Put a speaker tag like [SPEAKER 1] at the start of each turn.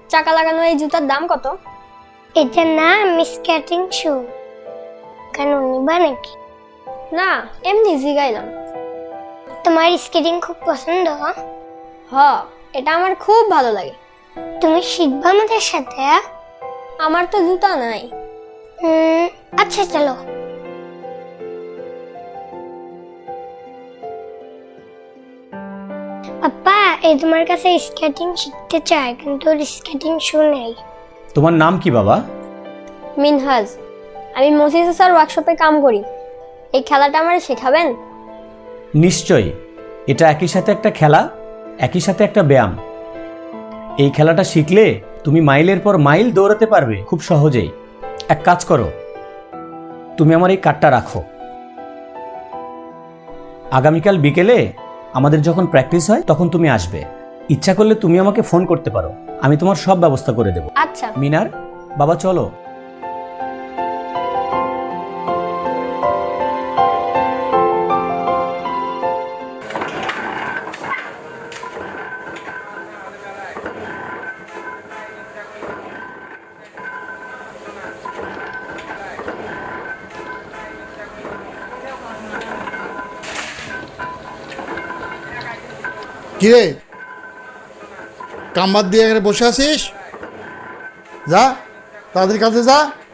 [SPEAKER 1] চাকা লাগানো এই জুতার দাম কত?
[SPEAKER 2] এটা নাম স্কেটিং শু। কেন নিবা নাকি?
[SPEAKER 1] না, এমনি জিগাইলাম।
[SPEAKER 2] তোমার স্কেটিং খুব পছন্দ?
[SPEAKER 1] হ, এটা আমার খুব ভালো লাগে।
[SPEAKER 2] তুমি শিখবা আমাদের সাথে?
[SPEAKER 1] আমার তো জুতা নাই।
[SPEAKER 2] আচ্ছা চলো। পাপা, এই তোমার কাছে স্কেটিং শিখতে চায়, কিন্তু ওর স্কেটিং শু নেই।
[SPEAKER 3] তোমার নাম কি বাবা?
[SPEAKER 1] মিনহাজ, আমি মসিদ স্যার ওয়ার্কশপে কাম করি। এই খেলাটা আমার শেখাবেন?
[SPEAKER 3] নিশ্চয়ই। এটা একই সাথে একটা খেলা, একই সাথে একটা ব্যায়াম। এই খেলাটা শিখলে তুমি মাইলের পর মাইল দৌড়াতে পারবে খুব সহজেই। এক কাজ করো, তুমি আমার এই কার্ডটা রাখো। আগামীকাল বিকেলে আমাদের যখন প্র্যাকটিস হয় তখন তুমি আসবে। ইচ্ছা করলে তুমি আমাকে ফোন করতে পারো, আমি তোমার সব ব্যবস্থা করে দেব।
[SPEAKER 1] আচ্ছা।
[SPEAKER 3] মিনার, বাবা চলো।
[SPEAKER 4] কিরে, কাম বাদ দিয়ে এখানে বসে আছিস? যা, তাড়াতাড়ি কাজে যা।